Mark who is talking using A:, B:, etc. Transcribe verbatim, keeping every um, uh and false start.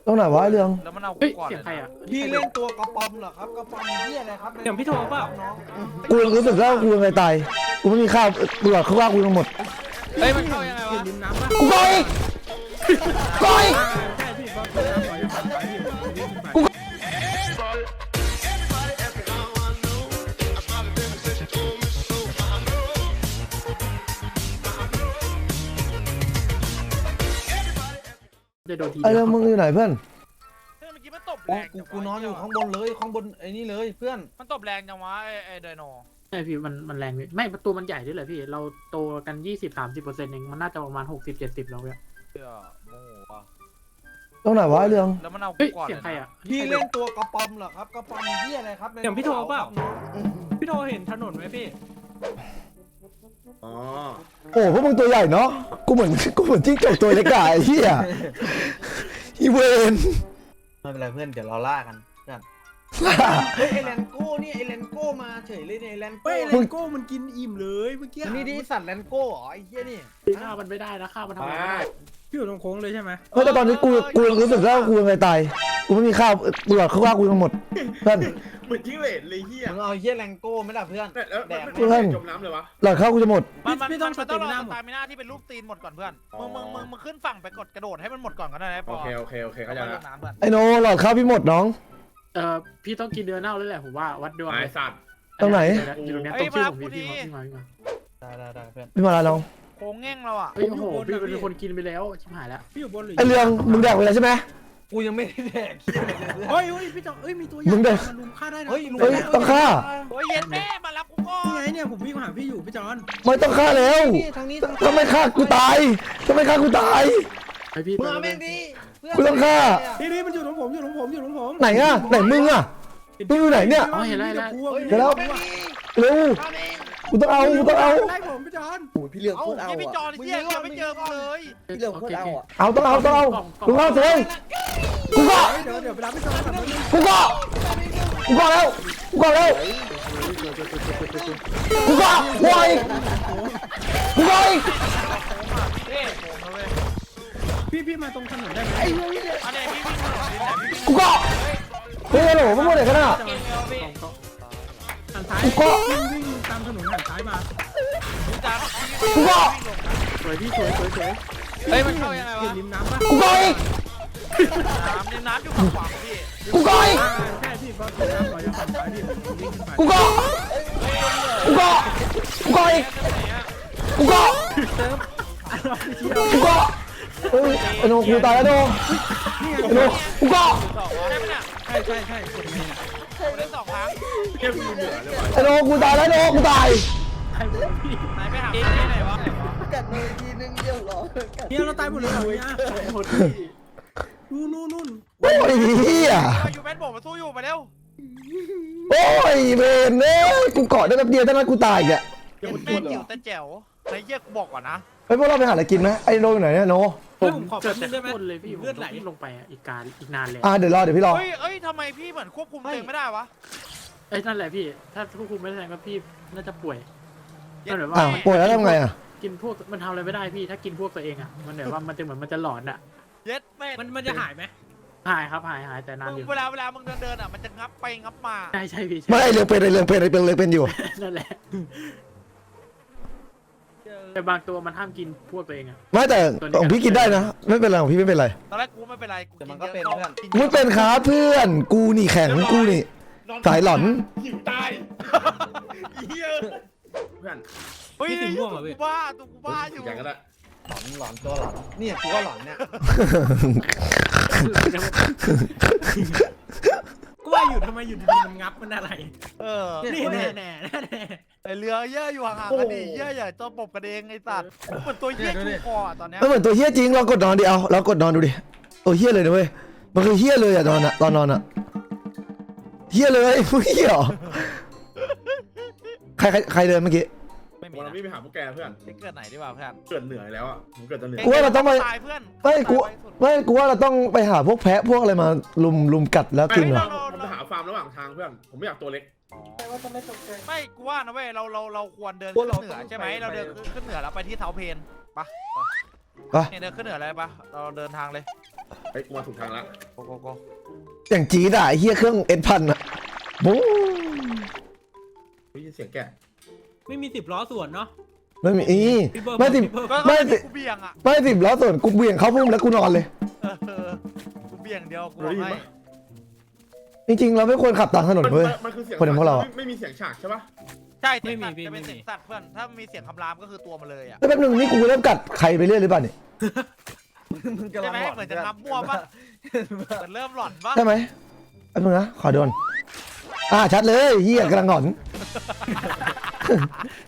A: ตรงไหนวะไอ้เรื่อง
B: แล้วมันเอา
C: เฮ้ย
B: ก่อน
C: เสียงใครอ่ะ
D: พี่เล่นตัวกระป๋อมเหรอครับกระป๋อมเหี้ยอะไรครับ
C: เสียงพี่โทรเปล่า
D: น้อง
A: กูรู้สึกว่ากูยังไงตายกูไม่มีข้าวกูหลอดข้าวว่ากูทั้งหมด
B: เฮ้ยมันเข้ายังไงวะ
C: ริมน้ำป่ะ
A: กูไปไป
C: ใช่พี่บอสน้ำหน่อยจะผ่านไปพี่วิ่งขึ้นไป
A: กู
C: จะโดนที
A: ไอ้เรื่องมึงอยู่ไหนเพื่อน
B: เฮ้ยเมื่อกี้มันตบ
D: โอ้
B: แรง
D: กู
B: จังวะ
D: กูนอนอยู่ข้างบนเลยข้างบนไอ้นี่เลยเพื่อน
B: มันตบแรงจังวะไอ้ไอ้ไดโน
C: ใช่พี่มันมันแรงพี่ไม่ประตูมันใหญ่ด้วยเลยพี่เราโตกันยี่สิบสามสิบเปอร์เซ็นต์เองมันน่าจะประมาณหกสิบเจ็ดสิบแล้วเนี่ย
B: เชื่อโมโหว่ะ
A: ตรงไหนวะไอ้เรื่อง
B: แล้วมันเอา
C: เฮ้ย
B: ก่อน
C: เสียงใครอ่ะ
D: พี่เล่นตัวกระป๋อมเหรอครับกระป๋อมเหี้ยอะไรครับ
C: เสียงพี่โทรเปล่า
D: น้อง
C: พี่โทรเห็นถนนไหมพี่
E: อ๋อ
A: โอ้พวกมึงตัวใหญ่เนาะกูเหมือนกูเหมือนจิ้งจกตัวเล็กอะไอ้เหี้ยอีเวน
D: ไม่เป็นไรเพื่อนเดี๋ยวเราล่ากันเพื่อนเฮ้ยไอแลนโก้นี่ไอแลนโก้มาเฉยเลยเนี่ยไอแลนโก้
C: เฮ้ย
A: มึ
C: เล
A: ง
C: นโก้มันกินอิ่มเลยเมื่อกี้
D: นี่ดิสัตว์แลนโก้เหรอไอ้เหี้ยนี่
C: ฆ่ามันไม่ได้นะฆ่ามันทำไมไม่ได้พี่อยู่ตรงโค้งเลยใช่ไหม
A: เฮ้ยแต่ตอนนี้กูกูรู้สึกว่ากูยังไงตายกูไม่มีข้าวกูหลอดข้าวว่ากูทั้งหมดเพื่อน
E: เหมือนจิ้งเหลนเลยเฮีย
D: มึงเอาเหี้ยแลนโก้ไหม่ล่ะเพื่อน
E: แล้ว
D: แด
E: มัน
D: ก
E: ไม่
A: เพื่อน
E: จมน้ำเลยวะ
A: หลอดข้าวกูจะหมด
B: มันมัน
C: พี่ต้อง
B: มันต้องรอ
C: สเตมิน่า
B: ส
C: หมด
B: ตามิน่าที่เป็นรูปตีนหมดก่อนเพื่อน
E: อ๋อ
B: มึงมึงมึงมึงขึ้นฝั่งไปกดกระโดดให้มันหมดก่อนก็ได้นะป
E: โอ
B: อ
E: เคโอเคโอเคเข้าใจ
B: ไปล
E: ละ
B: งน้ำเพื่อน
A: ไอ้โนหลอดข้าวพี่หมดน้อง
C: เอ่อพี่ต้องกินเดือนเน่าแล้วแหละผมว่าวัดดวง
E: ไอ้สัตว์
A: ตรงไหน
C: อยู่ตรงเนี้ยตรงชื่อผมพี่พี่มาพี่มาพี่มา
D: ได้ได้ได้เพื่อน
A: พี่มาแล้วน้อง
B: โค้งแง่งเราอ่ะ
C: เฮ้ยโอ้โหพี่เป็นคนกินไปแล้วชิบหายแล้วพี่อยู่บนหรือ
A: ไอ้เรื่องมึงแดกไปแล้วใช่ไหม
D: กูยังไม่ได้แดกเหี้ยอะไรเลยเพื่อน
C: เฮ้ยเฮ้ยพี่จอเอ้ยมีตัวใหญ่
A: มึงเดิน
C: มันลุมฆ่าได้นะ
D: เฮ้ยลุม
A: เฮ้ยต้องฆ่า
B: โอ้ยเย็นแม่มารับกูก่อน
C: นี่ไงเนี่ยผมวิ่งมาหาพี่อยู่พี่จอน
A: ไม่ต้องฆ่าแล้ว
D: นี่ทางนี้ทางนี้
A: ถ้าไม่ฆ่ากูตายถ้าไม่ฆ่ากูตาย
C: ไอพี่
D: มึงเอาแม่งดิเพื่อน
A: กูต้องฆ่า
C: นี่นี่มันอยู่ตรงผมอยู่ตรงผมอยู่ตรงผม
A: ไหนอะไหนมึงอะ มึงอยู่ไหนเนี่ย
C: อ๋อเห็นแล้วเห็นแล้ว
D: เฮ้ย
A: เดี๋ยวแล้ว
D: อาแม่งดิ
A: เร็ว
D: เอาแม่ง
A: กูต้องเอากูต้องเอา
C: ไล่ผมพี่จอน
F: โอ้ยพี่เรื่อง
D: เอา
F: โคตรเอา
B: ยี่พี่จ
F: อ่ะ
B: อนเหี้ยยังไม่เจอกูเลย
F: พี่เรื่องโคตรเอาอ่ะ
A: เอาต้องเอาต้องเอาลุงเอาเถอะกูก็
C: เดี๋ยวเดี๋ยวไปรับพี่จอนก่อนนะ
A: กูก็กูก็แล้วกูก็แล้วกูก็วายกูก็อีก
B: เท่โค้งนะเว้ย
C: พี่พี่มาตรงถนนได้ไหม
B: อันนี้พี่วิ่งถนนดินไหนพี่วิ่ง
A: กูก็เฮ้ยฮัลโหลมึงพูดอะไรกันอ่ะ
B: เก่งแล้วพี่
C: หันซ้าย
A: กูก็
C: วิ่งวิ่งตามถนนหันซ้ายมา
B: ดูจ้า
A: กูก็
C: สวยพี่สวยสวยสวย
B: เฮ้ยมันเข้ายังไงวะ
C: เห็นริมน้ำปะ
A: กูก็อีก
B: น้ำเนี่ยน้ำอยู่ฝั่งขวาพี่
A: กูก็อีก
C: อ่าใช่พี่บอสน้ำก่อนจะหันซ้ายพี่ผมวิ่งขึ้นไป
A: กูก็กูก็กูก็อีกกูก็
C: อ่ะรอพี่เชียว
A: กูก็เฮ้ยไอ้โนกูตายแล้วโน
C: นี่ไง
A: ไอ้โนกูก็
B: สองวะได้ไหมเนี่ย
C: ใช่ใช่ใช่กดนี่
B: กูเล่นสองครั้ง
E: เทียบมือเหนือเลยวะ
A: ไอ้โนกูตายแล้วโนกูตาย
C: ใช่พี่
B: ไหนไปหาที่ไหนวะ
F: กัดมือทีนึงเดียวเหรอกัด
C: เนี่ยเราตายหมดเลยเหรอเนี่ย
E: หมดพี่
C: นู่นนู่นนู่น
A: โอ้ยเฮีย
B: อยู่แมนบอกมาสู้อยู่มาเร็ว
A: โอ้ยเวนเอ้ยกูเกาะได้แป๊บเดียวเท่านั้นกูตายอีกอ่ะ
B: เย็นแม่จิ๋วแต่แจ๋วไอ้เหี้ยกูบอกก่อนนะ
A: เฮ้ยพวกเราไปหาอะไรกินไหมไอ้โนอยู่ไหนเนี่ยโน
C: ผมขอแป๊บนึงได้ไหมเลยพี่เลือดไหลลงไปอ่ะอีกการอีกนานเลย
A: อ่าเดี๋ยวรอเดี๋ยวพี่รอ
B: เฮ้ยเอ้ยทำไมพี่เหมือนควบคุมตัวเองไม่ได้วะ
C: เอ้ยนั่นแหละพี่ถ้าควบคุมไม่ได้ก็พี่น่าจะป่วยมันแบบ
A: อ่า
C: ว่า
A: ป่วยแล้วทำไงอ่ะ
C: กินพวกมันทำอะไรไม่ได้พี่ถ้ากินพวกตัวเองอ่ะมันแบบว่ามันจะเหมือนมันจะหลอนอ่ะ
B: เย็ดแม่
C: มันมันจะหายไหมหายครับหายหายแต่นาน
B: มึง
C: อยู่
B: เวลาเวลามึงเดินเดินอ่ะมันจะงับไปงับมา
C: ใช่ใช่พี่ใช่
A: ไม่ไอ้เรื่องเป็นไอ้เรื่องเป็นไอ้เป็นเลยเป็นอยู่
C: นั่นแหละแต่บางตัวมันห้ามกินพวกตัวเองอ่ะ
A: ไม่แต่ของพี่กินได้นะไม่เป็นไรของพี่ไม่เป็นไร
B: ตอนแรกกูไม่เป็นไรกู
D: แต่มันก็เป็นเพื่อน
A: กูไม่เป็นครับเพื่อนกูนี่แข็งกูนี่สายหลอน
E: หิวตายเฮียเพื่อน
B: เฮ้ยตัวกูบ้าตัวกูบ้าอยู่
E: อย่างก็ได้
D: หลอนหลอนตัวหลอนเนี่ยกูก็หลอนเนี่ย
C: ก็ว่าอยู่ทำไมอยู่ดีๆมันงับมันอะไร
B: เออ
C: นี่แน่แน่แน่แน่
B: ไอเรือเยอะอยู่ห่างๆกันดิเยอะใหญ่ตัวปบกันเองไอ้สัตว์เหมือนตัวเหี้ยชูคอตอนเนี้ย
A: ไม่เหมือนตัวเฮี้ยจริงเรากดนอนดิเอาเรากดนอนดูดิตัวเฮี้ยเลยนะเว้ยมันคือเฮี้ยเลยอ่ะตอนน่ะตอนนอนอ่ะเฮี้ยเลยมึงเฮี้ยเหรอใครใครใครเดินเมื่อกี้
B: ไม่มี
E: วัน
B: นะ
E: นี้ไปหาพวกแกเพื่อน
B: ไปเกิดไหนดีกว่าเพื่อน
E: เกิดเหนื่อยแล้วอ่ะผมเกิดจะเหนื่อย
A: กูว่าเราต้องไป
B: ตายเพื่อน
A: ไม่กูไม่กูว่าเราต้องไปหาพวกแพะพวกอะไรมาลุมลุมกัดแล้วกินเหรอ
E: ผมจะหาฟาร์มระหว่างทางเพื่อนผมไม่อยากตัวเล็ก
B: ไม่กูว่านะเว้ยเราเราเราควรเดินขึ้นเหนือใช่ไหมเราเดินขึ้นเหนือแล้วไปที่เสาเพนปะเนี่ยเดินขึ้นเหนือเลยปะเราเดินทางเลย
E: ไอ้กูมาถูกทางละ
B: โกโกโก
A: อย่างจี๊ดอ่ะไอ้เฮียเครื่องเอ็ดพันอ่ะบู๊
E: ได้ยินเสียงแกะ
G: ไม่มีสิบล้อส่วนเนาะ
A: ไม่มีอี
G: พี่เบิร์ด
A: ไม่สิ
G: พี่เบิร์ด
B: ก็
A: ไม่
B: ไม่
A: สิ
B: กูเบี่ยงอ่ะ
A: ไม่สิบล้อส่วนกูเบี่ยงเข้าพุ่มแล้วกูนอนเลย
B: เออกูเบี่ยงเดียวกูบอกให้
A: จริงๆเราไม่ควรขับตามถนน
E: มัน
A: เว้ย
E: มันคือเสียง
A: คนอย่างพวกเราอะ
E: ไม่ไม่มีเสียงฉากใช่ปะ
B: ใช่เสียงสัตว์จะเป็นเสียงสัตว์เพื่อนถ้ามีเสียงคำรามก็คือตัวมันเลยอ่ะ
A: แล้วแป๊บนึงนี่กูเริ่มกัดใครไปเรื่อยหรือเปล่าเนี่ย
F: มึงกำ
B: ใช่
F: ลัง
B: ไหม
F: หลอน
B: เหมือนจะนับมั่วปะเหมือนเริ่มหลอนปะ
A: ใช่ไหมแป๊บนึงนะขอโดนอ่าชัดเลยเฮียกำลังหงอน